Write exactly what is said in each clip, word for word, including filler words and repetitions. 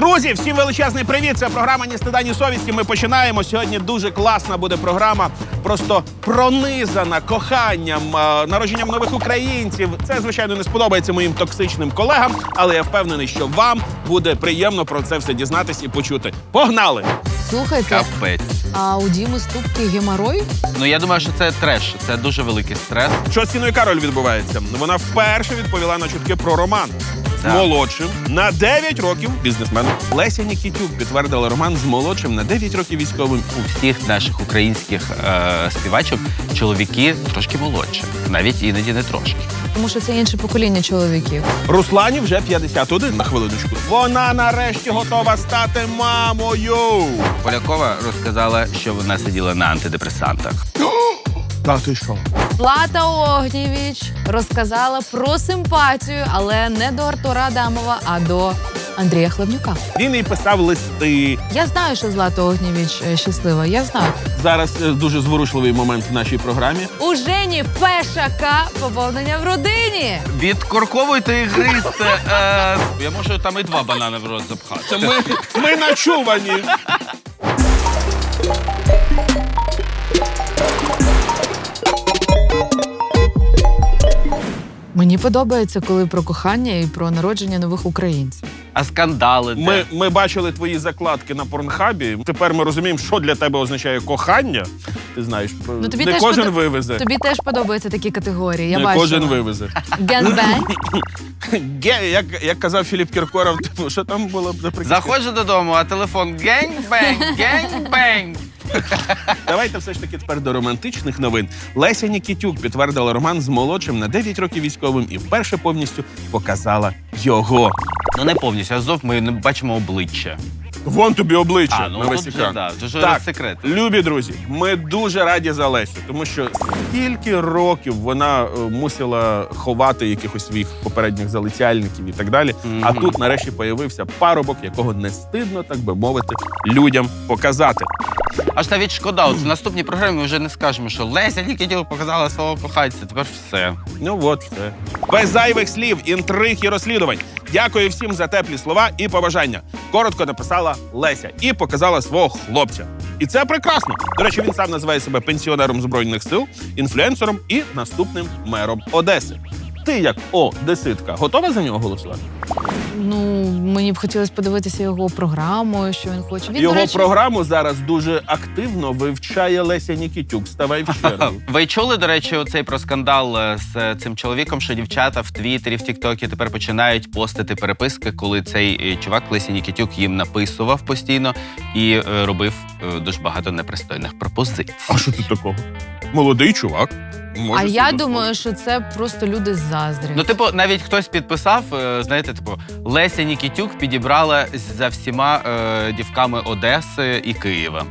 Друзі, всім величезний привіт! Це програма «Ні стида, ні совісті». Ми починаємо. Сьогодні дуже класна буде програма, просто пронизана коханням, народженням нових українців. Це, звичайно, не сподобається моїм токсичним колегам, але я впевнений, що вам буде приємно про це все дізнатись і почути. Погнали! Слухайте, Капець. а у Діми ступки геморой? Ну, я думаю, що це треш. Це дуже великий стрес. Що з Тіною Кароль відбувається? Вона вперше відповіла на чутки про роман. З Так. молодшим на дев'ять років бізнесменом. Леся Нікітюк підтвердила роман з молодшим на дев'ять років військовим. У всіх наших українських е, співачок чоловіки трошки молодші. Навіть іноді не трошки. Тому що це інше покоління чоловіків. Руслані вже п'ятдесят один, на хвилиночку. Вона нарешті готова стати мамою. Полякова розказала, що вона сиділа на антидепресантах. Та ти що? Злата Огнєвіч розказала про симпатію, але не до Артура Адамова, а до Андрія Хлебнюка. Він їй писав листи. Я знаю, що Злата Огнєвіч е, щаслива, я знаю. Зараз е, дуже зворушливий момент в нашій програмі. У Жені Пешака поповнення в родині. Відкорковуйте і гризьте. Е, я можу там і два банани в рот запхати. Ми, ми начувані. Мені подобається, коли про кохання і про народження нових українців. А скандали де? Ми, ми бачили твої закладки на Порнхабі. Тепер ми розуміємо, що для тебе означає кохання. Ти знаєш, Ну, тобі не теж кожен подо- вивезе. Тобі теж подобаються такі категорії, я не бачила. кожен вивезе. Генбенг. Ге, як, як казав Філіп Кіркоров, типу, що там було за приказка? Заходжу додому, а телефон генг-бенг, генг-бенг. Давайте все ж таки тепер до романтичних новин. Леся Нікітюк підтвердила роман з молодшим на дев'ять років військовим і вперше повністю показала його. Ну не повністю, а знов ми не бачимо обличчя. Вон тобі обличчя А, ну, на весь тут же, екран. да, дуже так, секрет. любі друзі, ми дуже раді за Лесю, тому що скільки років вона е, мусила ховати якихось своїх попередніх залицяльників і так далі. Мгм. А тут нарешті появився парубок, якого не стидно, так би мовити, людям показати. Аж навіть шкода, от в наступній програмі ми вже не скажемо, що Леся Нікітюк показала свого коханця, тепер все. Ну от все. Без зайвих слів, інтриг і розслідувань. Дякую всім за теплі слова і побажання. Коротко написала Леся і показала свого хлопця. І це прекрасно. До речі, він сам називає себе пенсіонером Збройних сил, інфлюенсером і наступним мером Одеси. Ти, як одеситка, готова за нього голосувати? Ну, мені б хотілося подивитися його програму, що він хоче. Він, Його до речі, програму зараз дуже активно вивчає Леся Нікітюк. Ставай в чергу. Ви чули, до речі, оцей про скандал е, з цим чоловіком, що дівчата в Твіттері, в Тіктокі тепер починають постити переписки, коли цей е, чувак Лесі Нікітюк їм написував постійно і е, робив е, дуже багато непристойних пропозицій. А що тут такого? Молодий чувак. Може А собі я дозволити. думаю, що це просто люди заздрять. Ну, типу, навіть хтось підписав, е, знаєте, типу, Леся Нікітюк підібрала за всіма е, дівками Одеси і Києва.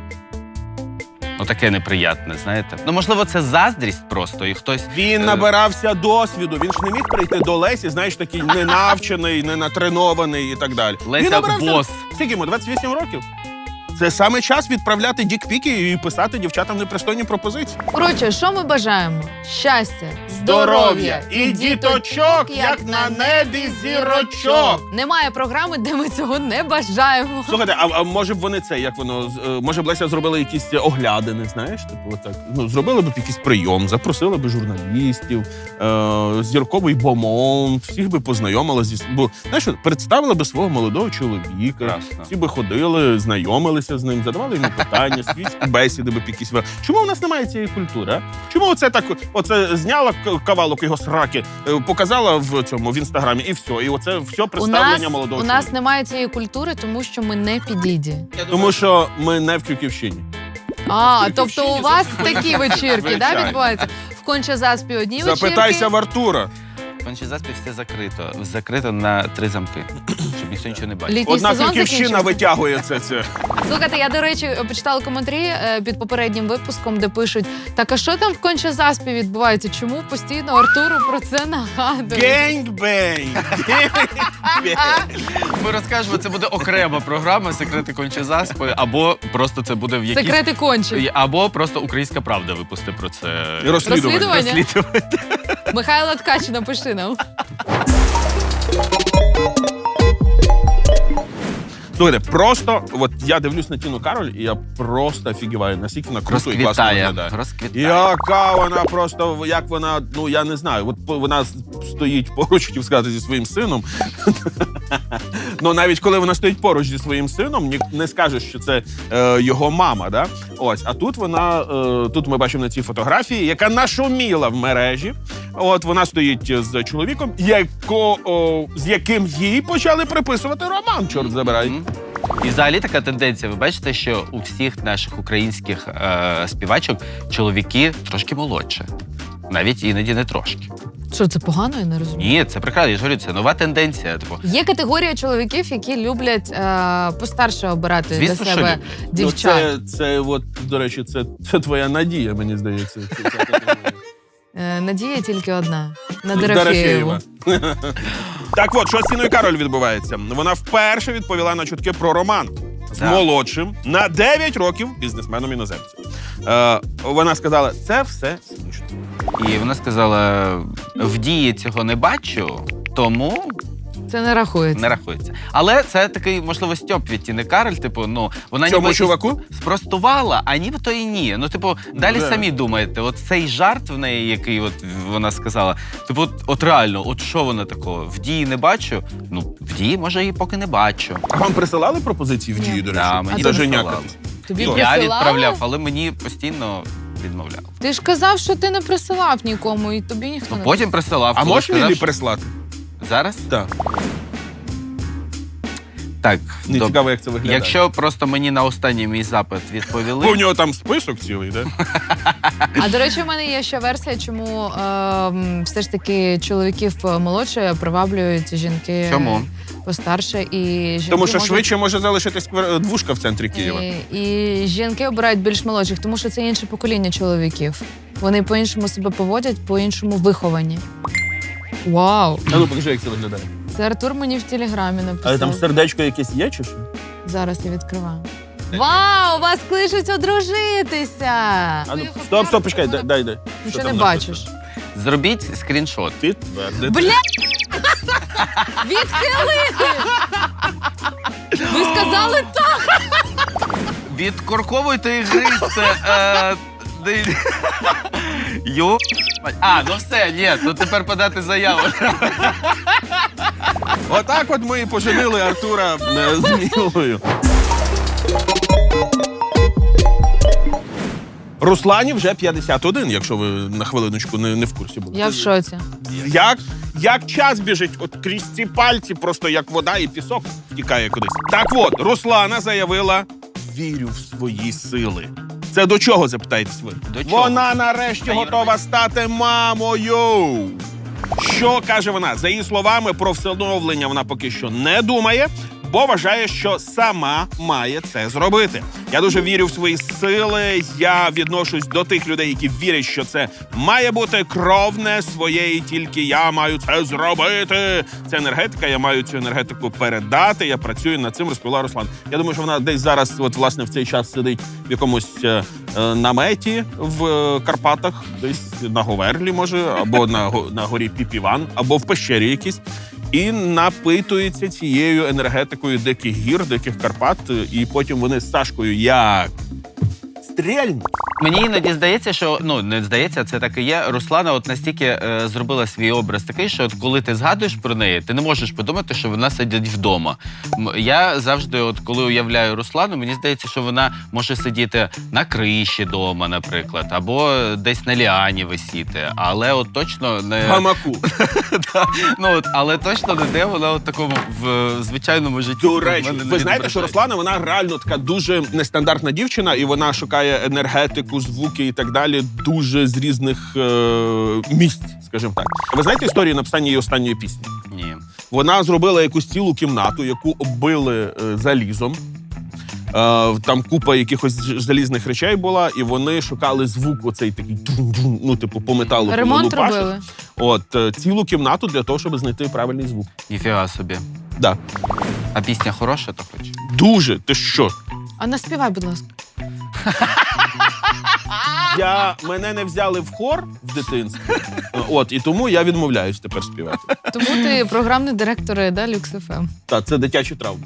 Ну, таке неприятне, знаєте. Ну, можливо, це заздрість просто, і хтось... Він е, набирався досвіду. Він ж не міг прийти до Лесі, знаєш, такий ненавчений, ненатренований і так далі. Леся Він набирався, бос. скільки йому, двадцять вісім років? Це саме час відправляти дікпіки і писати дівчатам непристойні пропозиції. Коротше, що ми бажаємо? Щастя, здоров'я і діточок, як на небі зірочок. Немає програми, де ми цього не бажаємо. Слухайте, а, а може б вони це, як воно, з- е, може б Леся зробила якісь оглядини, знаєш, типу отак. Ну, зробили б якийсь прийом, запросили б журналістів, е, зірковий бомонд, всіх би познайомила зі... Бо, знаєш, от, представила би свого молодого чоловіка, Красно. всі би ходили, знайомилися з ним, задавали йому питання, світські бесіди би якісь. вели. Чому у нас немає цієї культури, а? Чому оце так, оце зняла к- кавалок його сраки, е, показала в цьому, в інстаграмі, і все, і оце все У представлення нас, молодого у чоловіка. нас немає цієї культури, тому що ми не підіді. Тому що ми не в Крюківщині. А, в тобто у Київщині вас це- такі вечірки, да, Звичайно. відбуваються? В Конча-Заспі одні вечірки. Запитайся в Артура. Кончезаспі все закрито. Закрито на три замки, щоб ніхто нічого не бачив. Літній Одна сезон Крюківщина закінчився. витягує це. це. Слухайте, я, до речі, почитала коментарі е, під попереднім випуском, де пишуть, так а що там в Конча-Заспі відбувається? Чому постійно Артуру про це нагадують? Генг-бенг! Ми розкажемо, це буде окрема програма «Секрети Кончезаспи», або просто це буде в якійсь... Секрети кончі. Або просто «Українська правда» випусти про це. Розслідування. Розслідування? Розслідування. Михайло Ткач, напиши нам. Слухайте, просто, от я дивлюсь на Тіну Кароль, і я просто офігіваю, наскільки вона круто і класно Розквітає, виглядає. розквітає. Яка вона просто, як вона, ну я не знаю, от по- вона стоїть поруч, хотів сказати, зі своїм сином. Ну навіть коли вона стоїть поруч зі своїм сином, ні- не скажеш, що це е, його мама, да? Ось, а тут вона, е, тут ми бачимо на цій фотографії, яка нашуміла в мережі. От вона стоїть з чоловіком, яко, о, з яким їй почали приписувати роман, чорт забирай. Мгм. І взагалі така тенденція. Ви бачите, що у всіх наших українських е, співачок чоловіки трошки молодше. Навіть іноді не трошки. Що, це погано, я не розумію. Ні, це прекрасно. Я ж говорю, це нова тенденція. Типу, Є категорія чоловіків, які люблять е, постарше обирати звісно, для що себе люблять. дівчат. Ну, це, це, от, до речі, це, це твоя надія, мені здається. Це- це категорія. Е, надія тільки одна. На Дорофєєву. Дорофєєва. Так от, що з Тіною Кароль відбувається? Вона вперше відповіла на чутки про роман з Так. молодшим на дев'ять років бізнесменом іноземцем. Е, вона сказала, це все смішно. і вона сказала: в дії цього не бачу, тому Це не рахується. не рахується. Але це такий, можливо, стьоп від Тіни Кароль. Типу, ну вона Цьому ніби чуваку? спростувала, а нібито і ні. Ну, типу, далі да. самі думаєте, от цей жарт в неї, який от вона сказала, типу, от, от реально, от що вона такого? В дії не бачу. Ну, в дії, може, і поки не бачу. А вам присилали пропозиції в Ні. дії, до речі? Да, мені Даже присилали. някатись. Тобі Я присилали? відправляв, але мені постійно відмовляв. Ти ж казав, що ти не присилав нікому, і тобі ніхто Ну, не потім присилав. А коли можеш сказав, мені що- прислати? Зараз? Так. Так. Не добре. цікаво, як це виглядає. Якщо просто мені на останній мій запит відповіли. У нього там список цілий, да? А до речі, у мене є ще версія, чому е, м, все ж таки чоловіків молодше приваблюють жінки Чому? постарше, і жінки Тому що можуть- швидше може залишитись квар- двушка в центрі Києва. І, і жінки обирають більш молодших, тому що це інше покоління чоловіків. Вони по-іншому себе поводять, по-іншому виховані. Вау! А ну покажи, як це виглядає. Це Артур мені в телеграмі написав. Але там сердечко якесь є, чи що? Зараз я відкриваю. Вау! Вас кличуть одружитися! А ну, стоп, стоп, почекай, дай, дай. дай. Що Нічого там не написано? бачиш. Зробіть скріншот. Підтвердити. Бля! Відхилити! Ви сказали так! Відкорковуйте і гризьте. Е, де- Йо. А, ну все, ні, то тепер подати заяву. Отак от ми і поженили Артура е, з Мілою. Руслані вже п'ятдесят один, якщо ви на хвилиночку не, не в курсі були. Я в шоці. Як, як час біжить, от крізь ці пальці, просто як вода і пісок втікає кудись. Так от, Руслана заявила: вірю в свої сили. Це до чого, запитаєтесь ви? До чого? Вона нарешті Та й готова робить. стати мамою. Що каже вона? За її словами, про всиновлення вона поки що не думає, бо вважає, що сама має це зробити. Я дуже вірю в свої сили. Я відношусь до тих людей, які вірять, що це має бути кровне своє, і тільки я маю це зробити. Це енергетика, я маю цю енергетику передати. Я працюю над цим, розповіла Руслан. Я думаю, що вона десь зараз, от власне, в цей час сидить в якомусь е, е, наметі в е, Карпатах, десь на Говерлі, може, або на, го- на горі Піпіван, або в пещері якійсь. І напитується цією енергетикою диких гір, диких Карпат, і потім вони з Сашкою як стрільнуть. Мені іноді здається, що ну не здається, це так і є. Руслана от настільки е, зробила свій образ такий, що от коли ти згадуєш про неї, ти не можеш подумати, що вона сидить вдома. М, Я завжди, от коли уявляю Руслану, мені здається, що вона може сидіти на криші дома, наприклад, або десь на ліані висіти. Але от точно не В гамаку. Да. Ну от, але точно не де вона от такому в е, звичайному житті. До в речі, мене не ви знаєте, що відображається. Руслана, вона реально така дуже нестандартна дівчина, і вона шукає енергетику, звуки і так далі дуже з різних е- місць, скажімо так. Ви знаєте історію написання її останньої пісні? Ні. Вона зробила якусь цілу кімнату, яку оббили е, залізом. Е, там купа якихось ж- залізних речей була, і вони шукали звук оцей такий, тун-тун, ну, типу, по металу. коли Ремонт лупашиш. робили. От, е, цілу кімнату для того, щоб знайти правильний звук. Ніфіга собі. Да. А пісня хороша, то хоч? Дуже, ти що? А наспівай, будь ласка. Я, мене не взяли в хор в дитинстві, от, і тому я відмовляюсь тепер співати. Тому ти програмний директор да, Люкс еф ем. Так, це дитячі травми.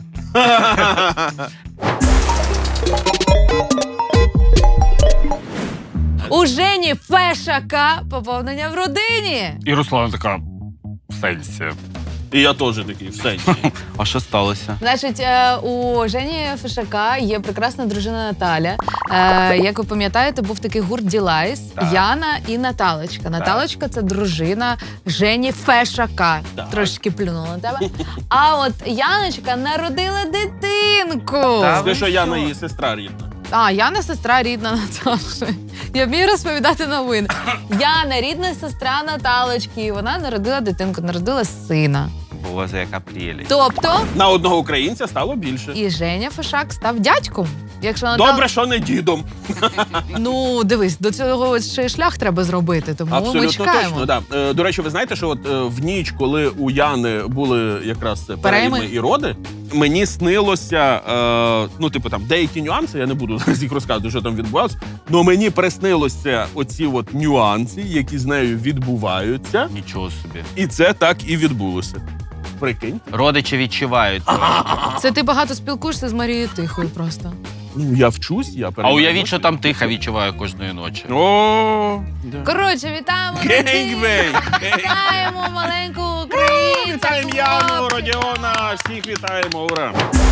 У Жені Фешака поповнення в родині. І Руслана така в сенсі. І я теж такий, в сенсі. А що сталося? Значить, е, у Жені Фешака є прекрасна дружина Наталя. Е, Як ви пам'ятаєте, був такий гурт Ділайс, Так. Яна і Наталочка. Наталочка – це дружина Жені Фешака. Так. Трошки плюнула на тебе. А от Яночка народила дитинку. Та Ти ви що, Яна що? її сестра рідна. А, Яна сестра рідна Наташі. Я вмію розповідати новини. Яна рідна сестра Наталочки. І вона народила дитинку, народила сина. Боже, яка прелість. Тобто На одного українця стало більше. і Женя Фешак став дядьком. Якщо Натал... Добре, що не дідом. Ну, дивись, до цього ще й шлях треба зробити, тому ми Абсолютно чекаємо. точно, да. Е, До речі, ви знаєте, що от е, в ніч, коли у Яни були якраз це перейми і роди, мені снилося, е, ну, типу, там, деякі нюанси, я не буду зараз їх розказувати, що там відбувалося, але мені приснилося оці от нюанси, які з нею відбуваються, Нічого собі. і це так і відбулося. Прикинь. Родичі відчувають. Це ти багато спілкуєшся з Марією Тихою просто. Ну, я вчусь, я А переймаю уявіть, що досвід. там тиха відчуває кожної ночі. О, да. Коротше, вітаємо Гейнгбейн! Вітаємо маленьку українцю! Вітаємо Яну, Родіона, всіх вітаємо, ура!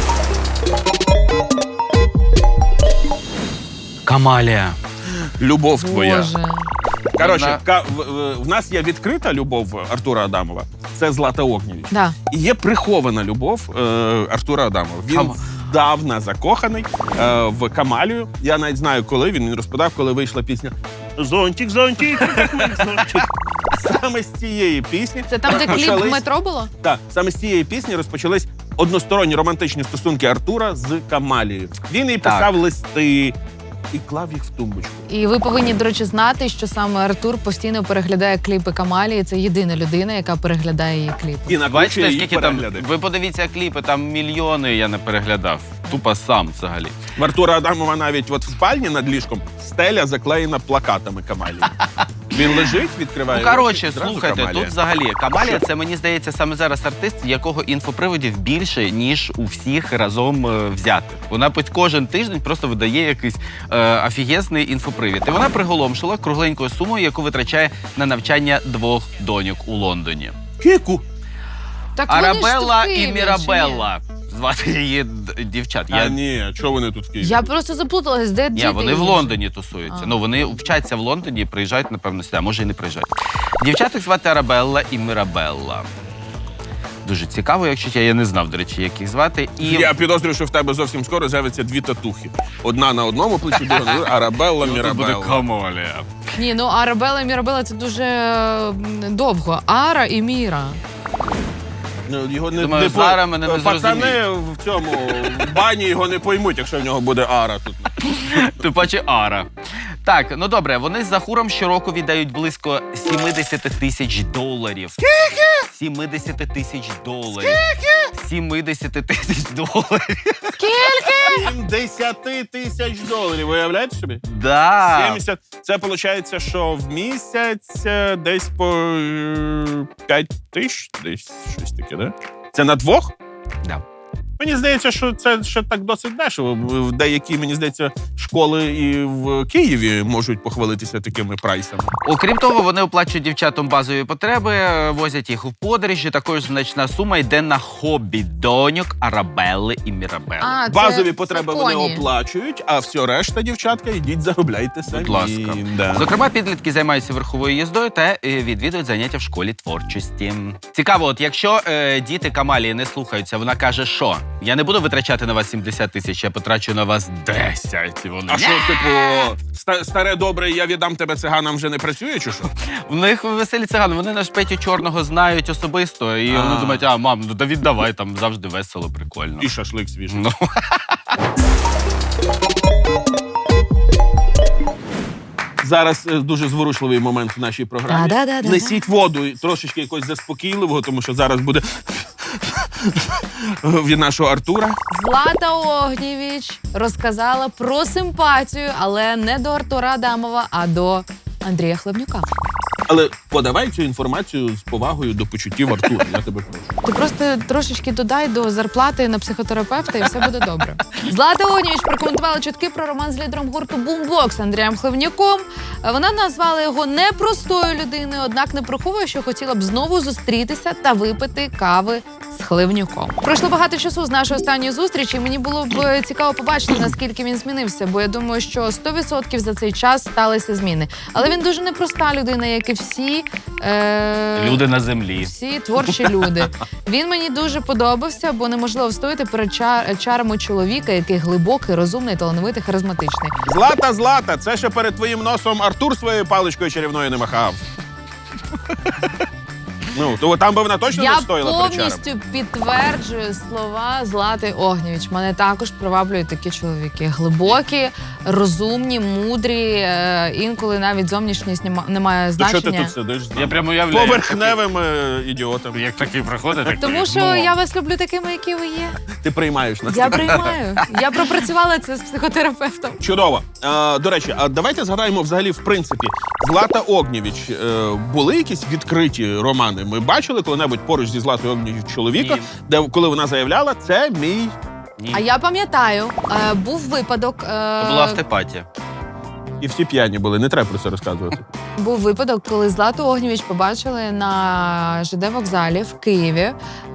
Камалія. Любов твоя. Боже. Коротше, Вона- ка- в, в- в нас є відкрита любов Артура Адамова. Це Злата Огнєвіч. Да. І є прихована любов е, Артура Адамова. Він Кам- здавна закоханий е, в Камалію. Я навіть знаю, коли він, він розповідав, коли вийшла пісня «Зонтик, зонтик, як мій зонтик». Саме з цієї пісні Це там, де кліп в почались- метро було? Так, саме з цієї пісні розпочались односторонні романтичні стосунки Артура з Камалією. Він їй Так. писав листи і клав їх в тумбочку. І ви повинні, до речі, знати, що саме Артур постійно переглядає кліпи Камалії. Це єдина людина, яка переглядає її кліпи. І накручує Бачите, її скільки там. перегляди. Ви подивіться кліпи, там мільйони я не переглядав. Тупо сам взагалі. В Артура Адамова навіть от в спальні над ліжком стеля заклеєна плакатами Камалії. Він лежить, відкриває. Ну, коротше, очі, зразу слухайте, Камалія. тут взагалі Камалія, це мені здається саме зараз артист, якого інфоприводів більше, ніж у всіх разом е, взятих. Вона під кожен тиждень просто видає якийсь е, офігезний інфопривід. І вона приголомшила кругленькою сумою, яку витрачає на навчання двох доньок у Лондоні. Кіку. Так вони ж Арабелла тут в Києві, і Мірабелла. Звати її д- дівчат. А Я... ні, чого вони тут в чи Києві? ні? Я просто заплуталась, де Ні, діти вони в її? Лондоні тусуються. А. Ну, вони вчаться в Лондоні і приїжджають, напевно, сюди, а може і не приїжджають. Дівчаток звати Арабелла і Мірабелла. Дуже цікаво, якщо я, я не знав, до речі, як їх звати. І Я підозрюю, що в тебе зовсім скоро з'явиться дві татухи. Одна на одному плечі, друга на другому. Арабелла, тут буде Мірабелла. Камалія. Ні, ну Арабелла і Мірабелла це дуже е, довго. Ара і Міра. Ну, його не, Думаю, не по- зараз мене не Пацани зрозуміють. в цьому в бані його не поймуть, якщо в нього буде ара тут. Тим паче Ара. Так, ну добре, вони з Захуром щороку віддають близько сімдесят тисяч доларів. Скільки? сімдесят тисяч доларів. Скільки? сімдесят тисяч доларів. сімдесят тисяч доларів, уявляєте собі? Да. сімдесят. Це виходить, що в місяць е, десь по е, п'ять тисяч, десь щось таке, да? Це на двох? Да. Мені здається, що це ще так досить дешево. В деякі, мені здається, школи і в Києві можуть похвалитися такими прайсами. Окрім того, вони оплачують дівчатам базові потреби, возять їх у подорожі. Також значна сума йде на хобі доньок Арабелли і Мірабелли. А, це- Базові це потреби вони поні. оплачують, а все решта, дівчатка, йдіть заробляйте самі. Будь ласка. Да. Зокрема, підлітки займаються верховою їздою та е, відвідують заняття в школі творчості. Цікаво, от якщо е, діти Камалії не слухаються, вона каже, що я не буду витрачати на вас сімдесят тисяч, я потрачу на вас десять. І вони, А що, типу, ста- старе добре, я віддам тебе циганам вже не працює, чи що? в них веселі цигани, вони наш Петю Чорного знають особисто, і А. вони думають, а, мам, ну да віддавай, там завжди весело, прикольно. І шашлик свіжий. Ну. Зараз е, дуже зворушливий момент в нашій програмі. Да-да-да-да. Несіть воду і трошечки якось заспокійливого, тому що зараз буде від нашого Артура. Злата Огнєвіч розказала про симпатію, але не до Артура Адамова, а до Андрія Хлебнюка. Але подавай цю інформацію з повагою до почуттів Артура, я тебе прошу. Ти просто трошечки додай до зарплати на психотерапевта і все буде добре. Злата Огнєвіч прокоментувала чутки про роман з лідером гурту Бумбокс Андрієм Хлевнюком. Вона назвала його непростою людиною, однак не приховує, що хотіла б знову зустрітися та випити кави з Хлевнюком. Пройшло багато часу з нашої останньої зустрічі, і мені було б цікаво побачити, наскільки він змінився, бо я думаю, що сто відсотків за цей час сталися зміни. Але він дуже непроста людина, як і всі е... Люди на землі. всі творчі люди. Він мені дуже подобався, бо неможливо встояти перед чар- чарами чоловіка, який глибокий, розумний, талановитий, харизматичний. Злата, Злата, це ще перед твоїм носом Артур своєю паличкою чарівною не махав. Ну, то там би вона точно Я не стояла перед чарами. повністю підтверджую слова Злати Огнєвіч. Мене також приваблюють такі чоловіки. Глибокі, розумні, мудрі. Е, інколи навіть зовнішність нема- не має То що ти значення. тут сидиш? з Я нами? прямо уявляю. Поверхневим е, ідіотом. Як такий проходить, так Тому що ну, я вас люблю такими, які ви є. Ти приймаєш нас. Я приймаю. Я пропрацювала це з психотерапевтом. Чудово. Е, до речі, а давайте згадаємо взагалі, в принципі, Злата Огнєвіч, е, були якісь відкриті романи? Ми бачили коли-небудь поруч зі Златою Огнєвіч чоловіка, Ні. де коли вона заявляла, це мій. ні. А я пам'ятаю, е, був випадок. е, Це була автопатія. І всі п'яні були, не треба про це розказувати. Був випадок, коли Злату Огнєвіч побачили на ЖД вокзалі в Києві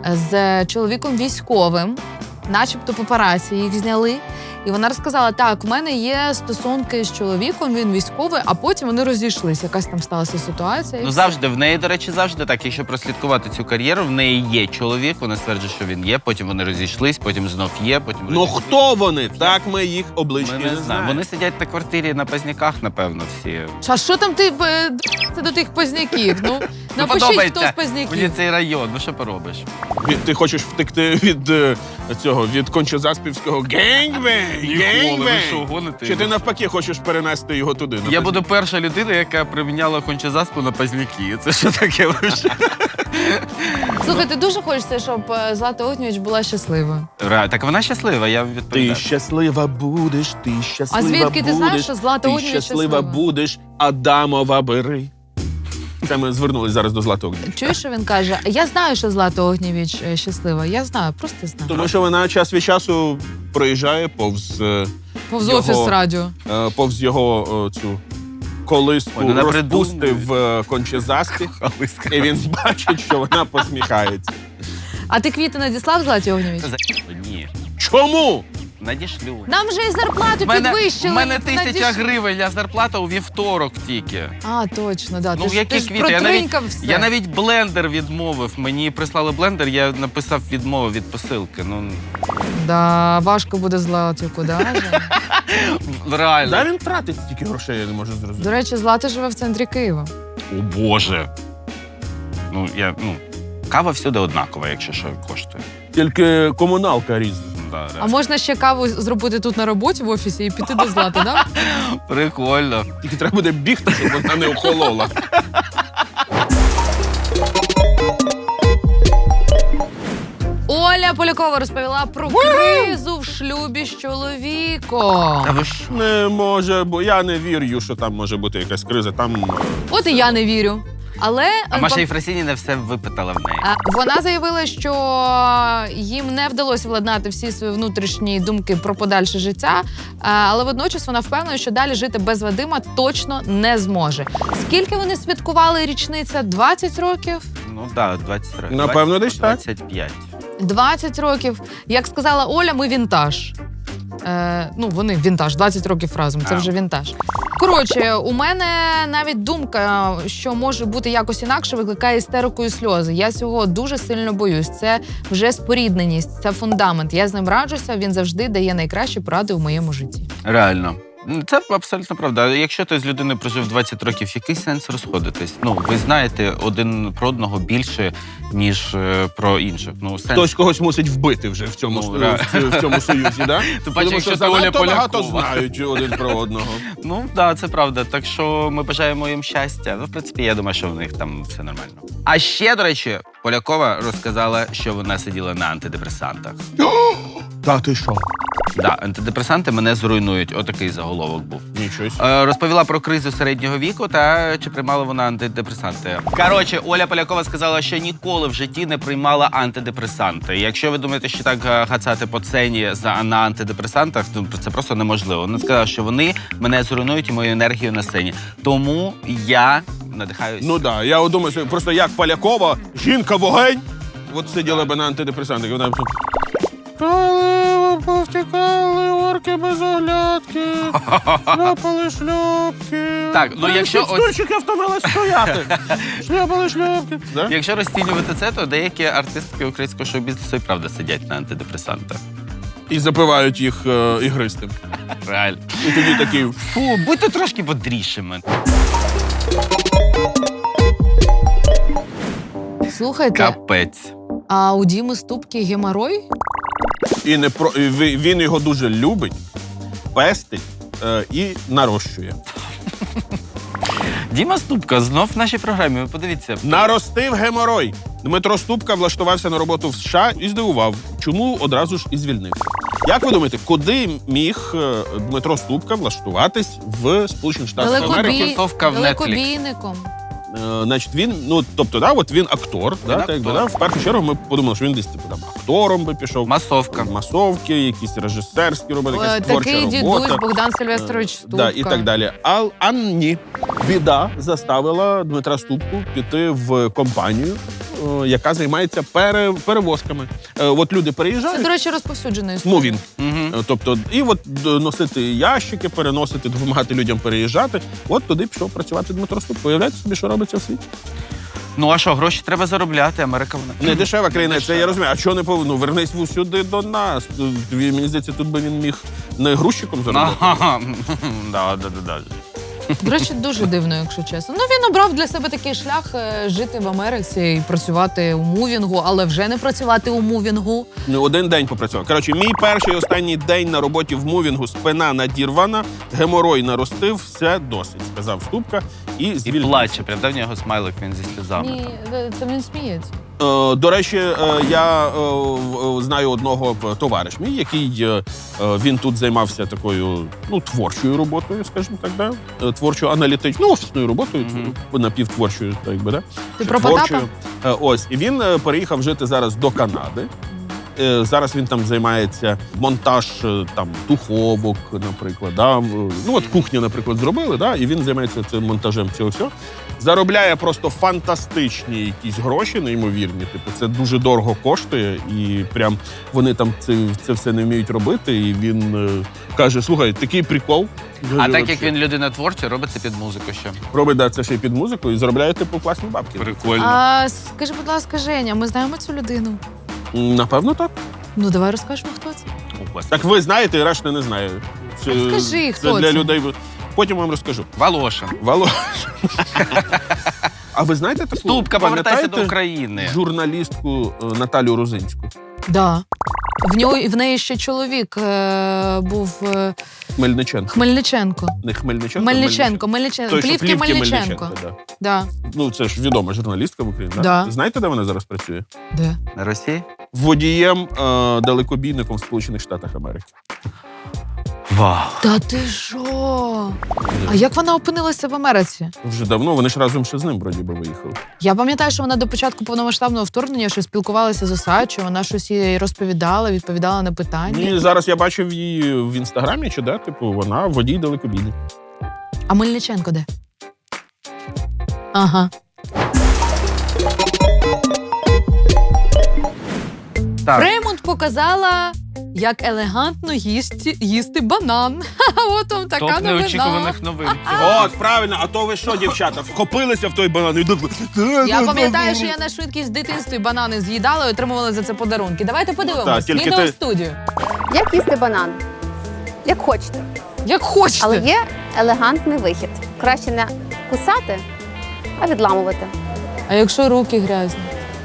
з чоловіком військовим, начебто папараці їх зняли. І вона розказала, так, в мене є стосунки з чоловіком, він військовий, а потім вони розійшлися. Якась там сталася ситуація. і Ну все. завжди в неї, до речі, завжди так. Якщо прослідкувати цю кар'єру, в неї є чоловік. Вона стверджує, що він є. Потім вони розійшлись, потім знов є. Потім Ну розійшлись. хто вони? Так ми їх облички Ми не не знаємо. знаємо. Вони сидять на квартирі на Пазняках, напевно, всі. А що там ти е, це до тих позняків? Ну, Ну, напишіть, хто подобається з мені позняків. цей район. Ну що поробиш? Від- Ти хочеш втекти від е, цього, від кончозаспівського генгбенг? ви що, гоните? Чи ти навпаки хочеш перенести його туди? на Я Пазняків? буду перша людина, яка приміняла кончезаспу на Пазняки. Це що таке вже? Слухай, ти дуже хочеться, щоб е, Злата Огнєвіч була щаслива. Ра- Так вона щаслива, я Ти відповідаю. щаслива будеш, ти щаслива А звідки ти будеш, знаєш, що Злата ти Огнєвіч щаслива щаслива? будеш, Адамова бери. Це ми звернулись зараз до Злати Огнєвіч. Чуєш, що він каже? Я знаю, що Злата Огнєвіч е, щаслива. Я знаю, просто знаю. Тому що вона час від часу проїжджає повз, е, Повз його- офіс радіо. е, повз його е, цю колиску Ой, вона розпусти придумує. в е, кончезаспі, і він бачить, що вона посміхається. А ти квіти надіслав Златі Огнєвіч? Ні. Чому? Надішлю. Нам же і зарплату У мене, підвищили. в мене тисяча Надіш- гривень, а зарплата у вівторок тільки. А, точно, да. Ну, ти ж, які ти ж квіти? Я навіть, протринькав все. я навіть блендер відмовив. Мені прислали блендер, я написав відмову від посилки. Ну, Да, важко буде Златі, куди же? реально. Да він тратить стільки грошей, я не можу зрозуміти. До речі, Злата живе в центрі Києва. О Боже. Ну, я, ну, кава всюди однакова, якщо що коштує. Тільки комуналка різна. Ну, да, А реально. можна ще каву зробити тут на роботі в офісі і піти до Злати, да? Прикольно. Тільки треба буде бігти, щоб вона не охолола. Оля Полякова розповіла про кризу в шлюбі з чоловіком. Та ви що? Не може, бо я не вірю, що там може бути якась криза. Там е, От і я не вірю. Але А е, Маша ба- Єфросініна все випитала в неї. А, Вона заявила, що їм не вдалося владнати всі свої внутрішні думки про подальше життя, а, але водночас вона впевнена, що далі жити без Вадима точно не зможе. Скільки вони святкували річниця? двадцять років? Ну так, да, двадцять років. Напевно, десь так. двадцять п'ять. двадцять років. Як сказала Оля, ми вінтаж. Е, ну, вони вінтаж, двадцять років разом, це А. вже вінтаж. Коротше, у мене навіть думка, що може бути якось інакше, викликає істерику і сльози. Я цього дуже сильно боюсь. Це вже спорідненість, це фундамент. Я з ним раджуся, він завжди дає найкращі поради у моєму житті. Реально. Це абсолютно правда. Якщо ти з людиною прожив двадцять років, який сенс розходитись? Ну, ви знаєте один про одного більше, ніж е, про інших. Ну, сенс... Хтось когось мусить вбити вже в цьому, Ну, в, ра- в, в цьому союзі, да? Ти бачиш, Тому якщо що ти Оля занадто багато Полякова. знають один про одного. Ну, так, да, це правда. Так що ми бажаємо їм щастя. Ну, в принципі, я думаю, що в них там все нормально. А ще, до речі, Полякова розказала, що вона сиділа на антидепресантах. Та ти що? Да, антидепресанти мене зруйнують. Отакий заголовок був. Нічого. Е, Розповіла про кризу середнього віку та чи приймала вона антидепресанти. Коротше, Оля Полякова сказала, що ніколи в житті не приймала антидепресанти. Якщо ви думаєте, що так е, гацати по сцені за на антидепресантах, то це просто неможливо. Вона сказала, що вони мене зруйнують і мою енергію на сцені. Тому я надихаюсь. Ну так, да, я от думаю, що просто як Полякова, жінка-вогень, от сиділа би на антидепресантах, і вона б тут... Коли повтікали орки без оглядки, шляпали шльопки. Так, ну, якщо ось- Стульчики втомились стояти. Шляпали шльопки. Да? Якщо розцінювати це, то деякі артистки українського шоу-бізнесу і правда сидять на антидепресантах. І запивають їх е, ігристим. Реально. І тоді такий... Фу, будьте трошки бодрішими. Слухайте, Капець. а у Діми Ступки геморой? І не про... і ви- він його дуже любить, пестить е, і нарощує. Діма Ступка знов в нашій програмі. Ви подивіться. Наростив геморой. Дмитро Ступка влаштувався на роботу в США і здивував, чому одразу ж і звільнився. Як ви думаєте, куди міг е, Дмитро Ступка влаштуватись в Сполучених Штатах Америки? Далекобій... Тусовка в Netflix. Далекобійником. Е, значить, він, ну, тобто, да, от він актор, да, актор. так, якби, да, в першу чергу ми подумали, що він десь типу, там, актором би пішов, Масовка. масовки, якісь режисерські роботи, Е, якась творча Такий робота. дідусь Богдан Сильвестрович Е, Ступка. Да, і так далі. А, а ні. Біда заставила Дмитра Ступку піти в компанію, е, яка займається пере, перевозками. Е, от люди Це, переїжджають, до речі, розповсюджена історія. ну він. Угу. Е, Тобто, і от д- носити ящики, переносити, допомагати людям переїжджати. От туди пішов працювати Дмитро Ступка. Уявляєте собі, що робиться в світі? Ну а що, гроші треба заробляти, Америка вона. Не дешева країна, це Дешева. я розумію. А чого не повинно? Ну, вернись в- сюди до нас. Тобі, мені здається, тут би він міг не грузчиком заробити. Ага. Да, да, да, да. До речі, дуже дивно, якщо чесно. Ну, він обрав для себе такий шлях е, жити в Америці і працювати у мувінгу, але вже не працювати у мувінгу. Ну, один день попрацював. Коротше, мій перший і останній день на роботі в мувінгу, спина надірвана, геморой наростив, все досить, сказав Ступка. І І звільнився. плаче, правда, в нього смайлик, він зі сльозами. Ні, це він сміється. Е, До речі, е, я е, в- знаю одного е, товариш мій, який е, е, він тут займався такою ну, творчою роботою, скажімо так, да? Е, творчою аналітичною, ну, офісною роботою, Мгм. напівтворчою, так якби, да? Ти Чи про творчою. Потапа? Е, Ось, і він е, переїхав жити зараз до Канади. Е, Зараз він там займається монтаж е, там духовок, наприклад. Да? В- Ну от кухню, наприклад, зробили, да? І він займається цим монтажем цього всього. Заробляє просто фантастичні якісь гроші, неймовірні. Типу, це дуже дорого коштує, і прям вони там це, це все не вміють робити. І він е, каже: слухай, такий прикол. А так як він людина творча, робить це під музику ще. робить да, це ще й під музику і заробляє типу класні бабки. Прикольно. А скажи, будь ласка, Женя, ми знаємо цю людину? М, Напевно, так. Ну, давай розкажемо, хто це. Так ви знаєте, і решта не знає. Це, Скажи, це хто для це? людей. Потім вам розкажу. Волошин. Вало. А ви знаєте таку? Ступка, повертайся до пам'ятаєте України. журналістку е, Наталю Розинську? Да. В нього в неї ще чоловік е, був е, Хмельниченко. Хмельниченко. Не Хмельниченко, Мельниченко, Мельниченко. Той, що Плівки Плівки Мельниченко. да. Да. Ну, це ж відома журналістка в Україні. Да? Да. Знаєте, де вона зараз працює? Де? На Росії? Водієм е, далекобійником в Сполучених Штатах Америки. Вау. Та ти що? А як вона опинилася в Америці? Вже давно, вони ж разом ще з ним, вроді би, виїхали. Я пам'ятаю, що вона до початку повномасштабного вторгнення що спілкувалася з Осадчою, вона щось їй розповідала, відповідала на питання. І зараз я бачив її в інстаграмі, чи де, типу, вона водій далекобійник. А Мельниченко де? Ага. Так. Фреймонт показала, як елегантно їсти, їсти банан. Ха-ха, от вам така Топ новина. неочікуваних новин. От, правильно, а то ви що, дівчата, вхопилися в той банан і так... Я пам'ятаю, що я на швидкість в дитинстві банани з'їдала і отримувала за це подарунки. Давайте Так, подивимось. тільки Відео ти- в студію. Як їсти банан? Як хочете. Як хочете. Але є елегантний вихід. Краще не кусати, а відламувати. А якщо руки грязні?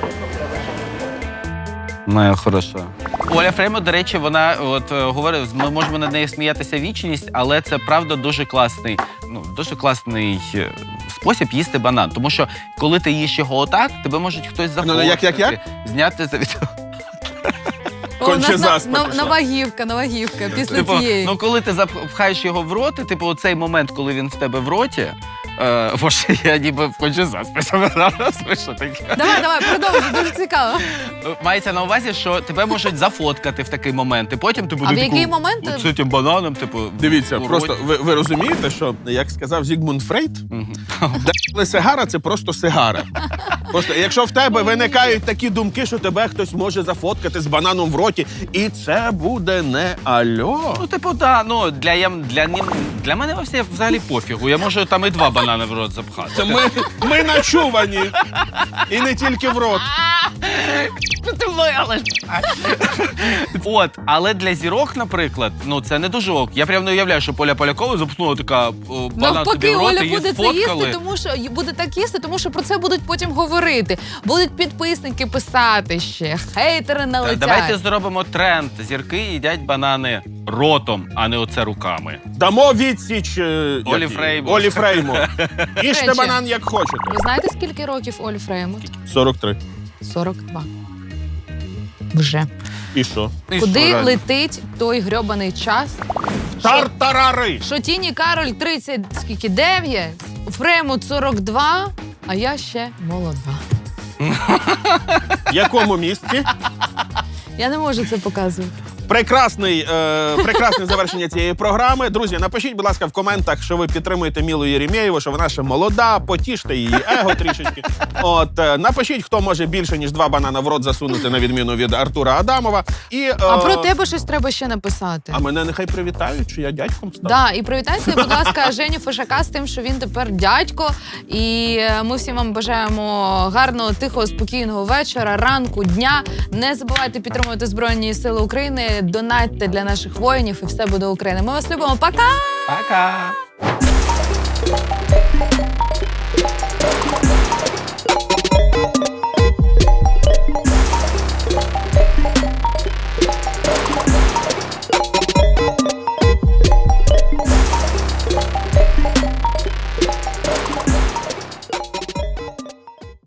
Моя хороша. Оля Фреймут, до речі, вона от е, говорить, ми можемо над нею сміятися вічність, але це правда дуже класний, ну дуже класний е, спосіб їсти банан. Тому що коли ти їш його отак, тебе можуть хтось зафоткати, Ну, як, як, як? зняти за від. О, у нас Конче на- заспа на- пішла. Навагівка, навагівка після Типу, цієї. ну коли ти запхаєш його в рот, і, типу, оцей момент, коли він в тебе в роті, е, боже, я ніби хочу заспати зараз, ви що таке? Давай, давай, продовжуй, дуже цікаво. Мається на увазі, що тебе можуть зафоткати в такий момент, і потім ти будеш в який момент? з цим бананом, типу, Дивіться, у просто роті. ви, ви розумієте, що, як сказав Зігмунд Фрейд, Мгм. але сигара це просто сигара. Просто якщо в тебе виникають такі думки, що тебе хтось може зафоткати з бананом в роті, і це буде не альо. Ну, типу, так, ну, для, я, для, нім- для мене все взагалі пофігу. Я можу там і два банани в рот запхати. Це ми, ми начувані. І не тільки в рот. От, але для зірок, наприклад, ну це не дуже ок. Я прям не уявляю, що Поля Полякова запхнула така о, банан собі Навпаки, в рот, Оля її буде це сфоткали. їсти, тому що буде так їсти, тому що про це будуть потім говорити. Будуть підписники писати ще, хейтери Та налетять. Давайте зробимо тренд. Зірки їдять банани ротом, а не оце руками. Дамо відсіч е, як Олі її? Фрейму. Олі Фрейму. Їжте речі. банан як хочете. Ви знаєте, скільки років Олі Фреймут? сорок три. сорок два. Вже. І що? І Куди що, реально? летить той грьобаний час? Тартарари! Що Тіні Кароль тридцять, скільки, дев'ять, Фреймут сорок два, а я ще молода. В якому місці? Я не можу це показувати. Прекрасний, е, прекрасне завершення цієї програми. Друзі, напишіть, будь ласка, в коментах, що ви підтримуєте Мілу Єремєєву, що вона ще молода, потіште її его трішечки. От, е, напишіть, хто може більше, ніж два банана в рот засунути, на відміну від Артура Адамова. І, е, А про тебе щось треба ще написати. А мене нехай привітають, що я дядьком став. Да, і привітайте, будь ласка, Женю Фишака з тим, що він тепер дядько. І е, ми всім вам бажаємо гарного, тихого, спокійного вечора, ранку, дня. Не забувайте підтримувати Збройні Сили України, донатьте для наших воїнів, і все буде Україна. Ми вас любимо. Пока! Пока!